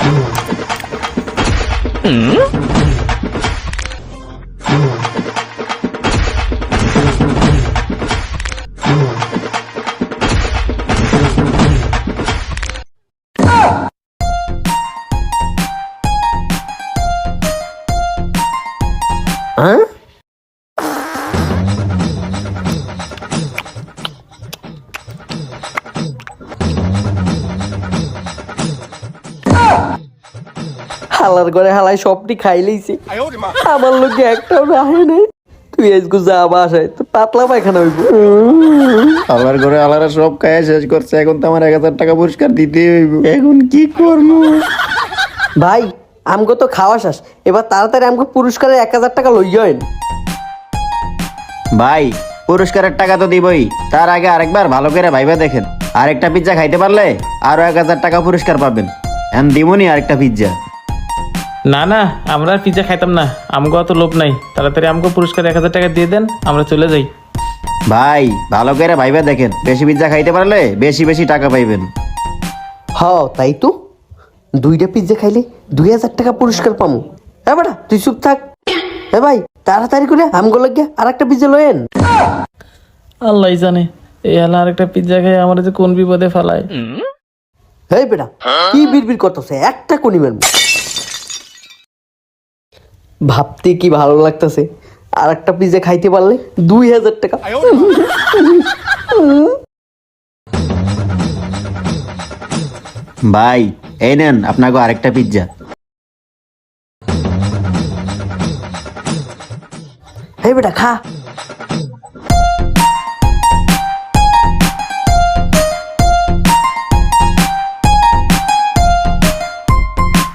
হ্যাঁ, হালার ঘরে হালাই সবটি খাই লইছে, আমার লোকে একটাও রাহে নাই। তুই আজকে যা বাসায় তো পাতলা পায়খানা হইব। আলার ঘরে আলারা সব খায় শেষ করছে, এখন তো আমার 1000 টাকা পুরস্কার দিতে হইব। এখন কি করবো? ভাই আমগো তো খাওয়া শেষ, এবার তাড়াতাড়ি আমগো পুরস্কারের 1000 টাকা লইয়েন। ভাই পুরস্কারের টাকা তো দিবই, তার আগে আরেকবার ভালো করে ভাইবা দেখেন। আরেকটা পিজ্জা খাইতে পারলে আরো 1000 টাকা পুরস্কার পাবেন। এখন দিমুনি আরেকটা পিজ্জা। না না, আমরা আর পিজ্জা খাইতাম না, আমগো অত লোভ নাই। তাড়াতাড়ি আমগো পুরস্কার 1000 টাকা দিয়ে দেন, আমরা চলে যাই। ভাই ভালো করে ভাইবা দেখেন, বেশি পিজ্জা খাইতে পারলে বেশি বেশি টাকা পাইবেন। হ তাই তো, 2টা পিজ্জা খাইলে 2000 টাকা পুরস্কার পামু। হ্যাঁ বেটা তুই চুপ থাক। হ্যাঁ ভাই তাড়াতাড়ি করে আমগো লাগিয়া আর একটা পিজ্জা লয়েন। আল্লাহ জানে এই হালা আরেকটা পিজ্জা খেয়ে আমার যে কোন বিপদে ফেলায়। হেই বেটা কি বিড়বিড় করতেছে, একটা কোনি মারবো। ভাবতে কি ভালো লাগতেছে, আর একটা পিজ্জা খাইতে পারলে 2000 টাকা। ভাই এই নেন আপনাকে আরেকটা পিজ্জা। হেই বেটা খা।